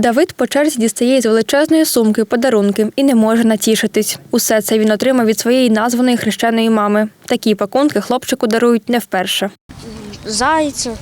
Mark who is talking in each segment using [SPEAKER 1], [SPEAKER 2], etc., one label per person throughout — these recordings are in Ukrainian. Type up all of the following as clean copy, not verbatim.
[SPEAKER 1] Давид по черзі дістає з величезної сумки подарунки і не може натішитись. Усе це він отримав від своєї названої хрещеної мами. Такі пакунки хлопчику дарують не вперше.
[SPEAKER 2] Зайця,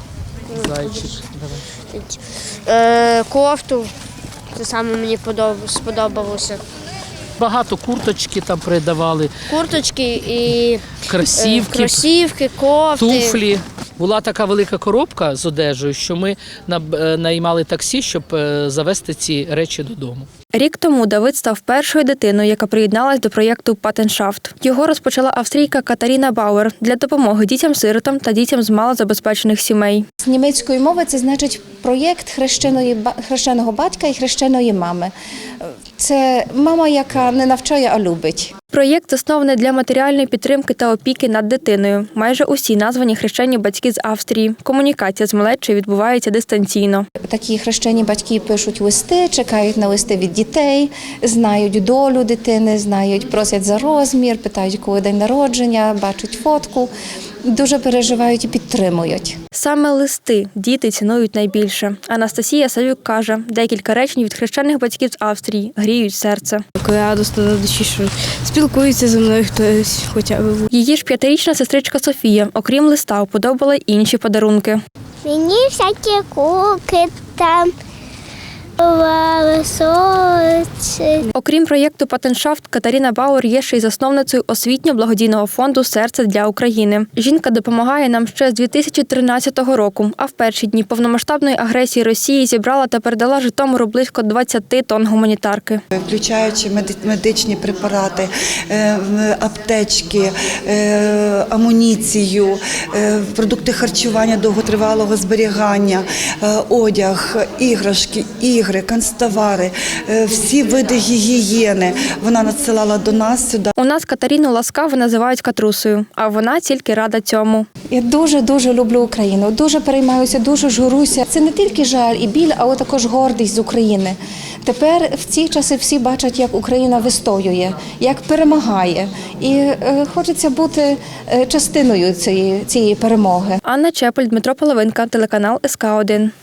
[SPEAKER 2] кофту, це саме мені сподобалося.
[SPEAKER 3] Багато курточки там передавали,
[SPEAKER 2] Курточки і
[SPEAKER 3] кросівки,
[SPEAKER 2] кофти.
[SPEAKER 3] туфлі. Була така велика коробка з одежею, що ми наймали таксі, щоб завезти ці речі додому.
[SPEAKER 1] Рік тому Давид став першою дитиною, яка приєдналась до проєкту «Патеншафт». Його розпочала австрійка Катаріна Бауер для допомоги дітям-сиротам та дітям з малозабезпечених сімей.
[SPEAKER 4] З німецької мови це значить проєкт хрещеного батька і хрещеної мами. Це мама, яка не навчає, а любить.
[SPEAKER 1] Проєкт заснований для матеріальної підтримки та опіки над дитиною. Майже усі названі хрещені батьки з Австрії. Комунікація з малечою відбувається дистанційно.
[SPEAKER 4] Такі хрещені батьки пишуть листи, чекають на листи від дітей, знають долю дитини, просять за розмір, питають, коли день народження, бачать фотку. Дуже переживають і підтримують.
[SPEAKER 1] Саме листи діти цінують найбільше. Анастасія Савюк каже, декілька речень від хрещених батьків з Австрії гріють серце.
[SPEAKER 5] Радосно на душі, що спілкується зі мною хтось хоча б.
[SPEAKER 1] Її ж 5-річна сестричка Софія, окрім листа, уподобала й інші подарунки.
[SPEAKER 6] Мені всякі куки там.
[SPEAKER 1] Окрім проєкту «Патеншафт», Катаріна Бауер є ще й засновницею освітньо-благодійного фонду «Серце для України». Жінка допомагає нам ще з 2013 року, а в перші дні повномасштабної агресії Росії зібрала та передала Житомиру близько 20 тонн гуманітарки.
[SPEAKER 7] Включаючи медичні препарати, аптечки, амуніцію, продукти харчування довготривалого зберігання, одяг, іграшки, ігри, канцтовари, всі види гігієни вона надсилала до нас сюди.
[SPEAKER 1] У нас Катерину ласкаво називають Катрусею, а вона тільки рада цьому.
[SPEAKER 4] Я дуже люблю Україну, дуже переймаюся, дуже журуся. Це не тільки жаль і біль, але також гордість з України. Тепер в ці часи всі бачать, як Україна вистоює, як перемагає. І хочеться бути частиною цієї перемоги.
[SPEAKER 1] Анна Чепель, Дмитро Половинка, телеканал СК1.